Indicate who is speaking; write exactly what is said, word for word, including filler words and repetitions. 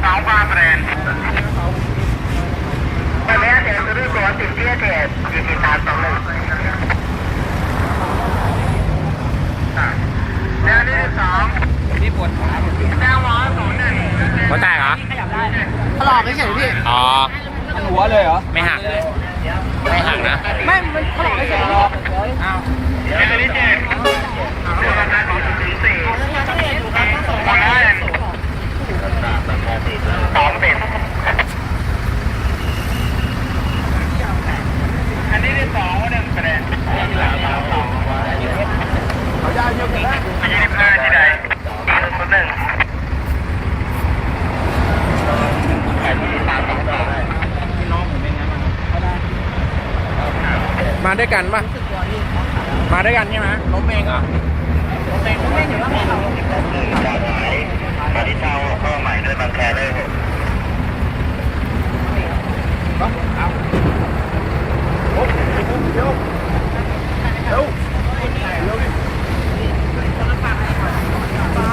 Speaker 1: สองฟ้าแบรนด์ไปแม่เดี๋ยวจะดูก่อนติดเตี้ยเด็ดยี่สิบสามสองหนึ่งแนวที่สองนี่ปวดขาแนวร้อยศูนย์หนึ่งหัวแตกเหรอ
Speaker 2: ถลอกเฉยๆพี่
Speaker 1: อ๋อ
Speaker 3: หัวเลยเหรอ
Speaker 1: ไม่หักไม่หักนะ
Speaker 2: ไม่มันถลอกเฉยๆ
Speaker 1: อ้าวแนวที่เจ็ดราคาของศูนย์สี่หมดแล้วสองเป็นอันนี้ที่สองหนึ่งคะแนน
Speaker 3: เขาได้เยอะกันแล้ว
Speaker 1: ยี่สิบห้าที่ใดคนหนึ่ง
Speaker 3: มาด้วยกันปะมาด้วยกันใช่ไหมล้มเองเหรอ
Speaker 2: ล้มเองล้มเองอยู่ว่าเขา
Speaker 1: มาที่เช่าเข้าใหม่ด้วยบางแคด้วย
Speaker 3: เอาโอ้เร็วเร็วเร็วดิ